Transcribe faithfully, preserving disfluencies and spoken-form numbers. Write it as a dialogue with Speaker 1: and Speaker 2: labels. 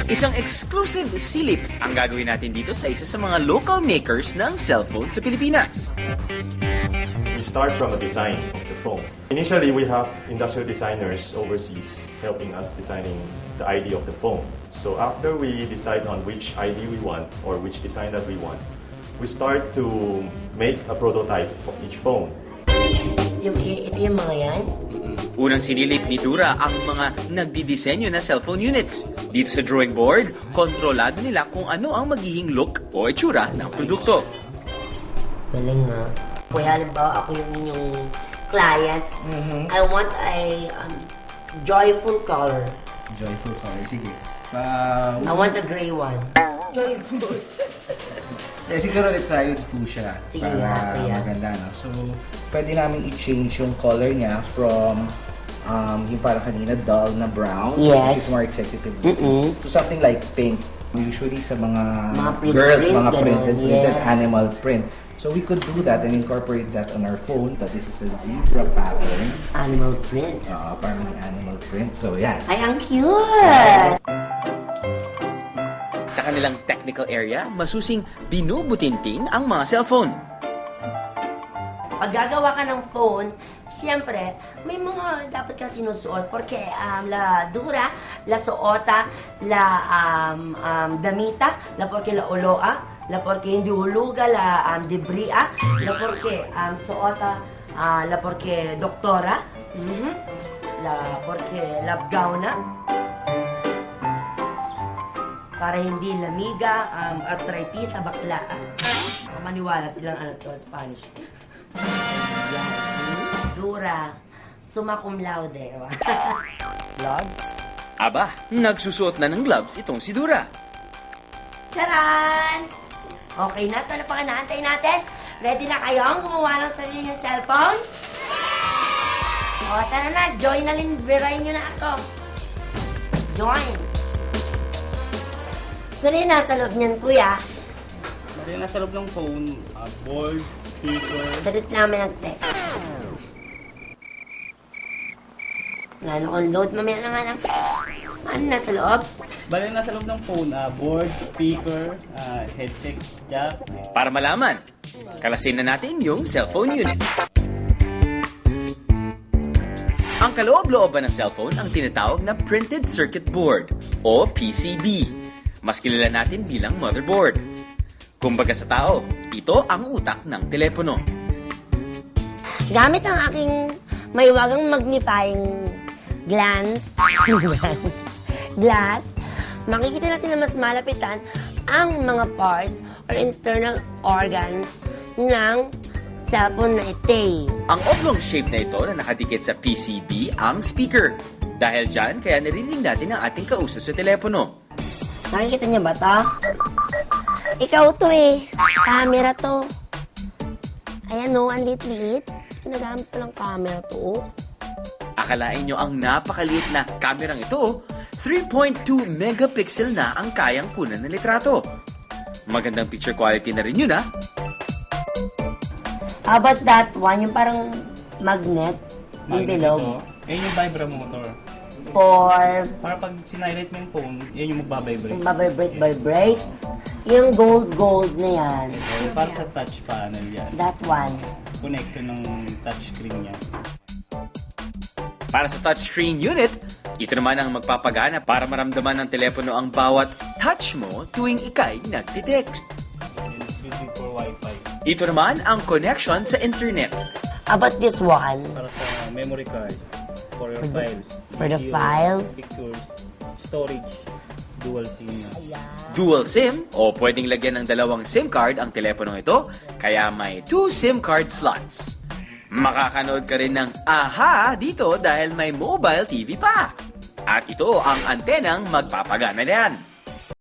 Speaker 1: Isang exclusive silip ang gagawin natin dito sa isa sa mga local makers ng cellphone sa Pilipinas.
Speaker 2: We start from a design of the phone. Initially, we have industrial designers overseas helping us designing the I D of the phone. So after we decide on which I D we want or which design that we want, we start to make a prototype of each phone.
Speaker 3: Yung, ito yung mga yan?
Speaker 1: Unang sinilip ni Dura ang mga nagdidisenyo na cellphone units. Dito sa drawing board, kontrolado nila kung ano ang magiging look o itsura ng produkto.
Speaker 3: Galing nga. Kuya, halimbawa ako yung inyong client. Mm-hmm. I want a um, joyful color.
Speaker 4: Joyful color, sige. Uh,
Speaker 3: I want a gray one. Joyful.
Speaker 4: Eh, siguro let's try with fuchsia.
Speaker 3: Sige
Speaker 4: para
Speaker 3: nga, kuya.
Speaker 4: maganda, no? So, pwede namin i-change yung color niya from um, yung parang kanina dull na brown,
Speaker 3: yes,
Speaker 4: which is more executive,
Speaker 3: mm-mm,
Speaker 4: to something like pink. Usually sa mga,
Speaker 3: mga print,
Speaker 4: girls,
Speaker 3: print,
Speaker 4: mga
Speaker 3: ganun,
Speaker 4: printed,
Speaker 3: yes,
Speaker 4: printed animal print. So we could do that and incorporate that on our phone. That this is a zebra pattern.
Speaker 3: Animal print.
Speaker 4: Uh, parang animal print. So yeah.
Speaker 3: Ay, ang cute!
Speaker 1: Sa kanilang technical area, masusing binubutinting ang mga cellphone.
Speaker 3: Pag gagawa ka ng phone, siyempre, may mga dapat kang sinusuot porque um, la dura, la suota, la um, um, damita, la porque la oloa, la porque hindi huluga, la um, debria, la porque um, suota, uh, la porque doktora, mm-hmm, la porque labgauna, para hindi lamiga, um, arthritis sa bakla. Maniwala silang ano to, Spanish. Dura, summa cum laude. Gloves?
Speaker 1: Aba, nagsusuot na ng gloves itong si Dura.
Speaker 3: Charan! Okay na, so ano pa kinaantay natin? Ready na kayong gumawa ng sarili niyong cellphone? O, tara na, join na rin, birayin niyo na ako. Join! So, rin nasa loob niyan, kuya.
Speaker 5: Bali, nasa loob ng phone, uh, board, speaker.
Speaker 3: Salit namin nag-text. Lalo kong load, mamaya na nga lang. Ano nasa loob?
Speaker 5: Bali, nasa loob ng phone, uh, board, speaker, uh, headset, jack.
Speaker 1: Para malaman, kalasin na natin yung cellphone unit. Ang kaloob-looban ng cellphone ang tinatawag na printed circuit board o P C B. Mas kilala natin bilang motherboard. Kumbaga sa tao, ito ang utak ng telepono.
Speaker 3: Gamit ang aking maiwagang magnifying glance, glass, makikita natin na mas malapitan ang mga parts or internal organs ng cellphone na ito.
Speaker 1: Ang oblong shape na ito na nakadikit sa P C B ang speaker. Dahil dyan, kaya naririnig natin ang ating kausap sa telepono.
Speaker 3: Nakikita niyo ba ito? Ikaw to eh. Camera to. Ayan o, ang liit-liit. Ginagamit ko lang camera to.
Speaker 1: Akalain nyo ang napakaliit na kamerang ito, three point two megapixel na ang kayang kunan ng litrato. Magandang picture quality na rin yun, ha?
Speaker 3: How about that one? Yung parang magnet. Yung
Speaker 5: Magnet
Speaker 3: bilog.
Speaker 5: ito. Yan yung vibromotor.
Speaker 3: For
Speaker 5: Para pag sinilate mo yung phone, yan yung magbabibrate.
Speaker 3: yung vibrate vibrate. Yung gold-gold na yan.
Speaker 5: Yung para sa touch panel yan.
Speaker 3: That one.
Speaker 5: Connection ng touchscreen niya.
Speaker 1: Para sa touchscreen unit, ito naman ang magpapagana para maramdaman ng telepono ang bawat touch mo tuwing ikay nagtitext.
Speaker 5: And it's using for Wi-Fi.
Speaker 1: Ito naman ang connection sa internet.
Speaker 3: How about this one?
Speaker 5: Para sa memory card. For your files.
Speaker 3: For the
Speaker 5: Videos,
Speaker 3: files?
Speaker 5: Pictures. Storage. Dual SIM.
Speaker 1: Dual SIM o pwedeng lagyan ng dalawang SIM card ang teleponong ito, kaya may two SIM card slots. Makakanood ka rin ng AHA dito dahil may mobile T V pa. At ito ang antenang magpapagana niyan.